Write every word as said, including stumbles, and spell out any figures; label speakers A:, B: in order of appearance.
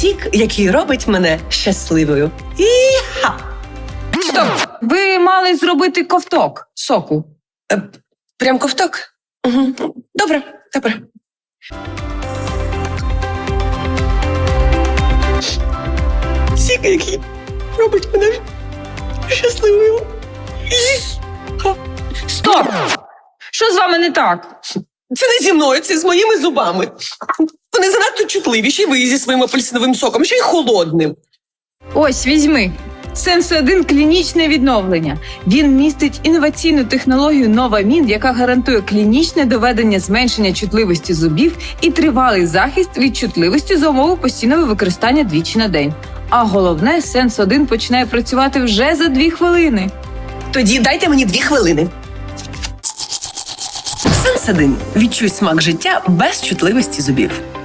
A: сік, який робить мене щасливою. І-ха!
B: Стоп! Ви мали зробити ковток соку.
A: Е, Прям ковток? Угу. Добре, добре. Сік, який робить мене щасливою. І-ха!
B: Стоп! Що з вами не так?
A: Це не зі мною, це з моїми зубами. Вони занадто чутливіші, ви зі своїм апельсиновим соком, ще й холодним.
B: Ось, візьми. Сенс один клінічне відновлення. Він містить інноваційну технологію Новамін, яка гарантує клінічне доведення зменшення чутливості зубів і тривалий захист від чутливості за умови постійного використання двічі на день. А головне, Сенс один починає працювати вже за дві хвилини.
A: Тоді дайте мені дві хвилини. Сенс один. Відчуй смак життя без чутливості зубів.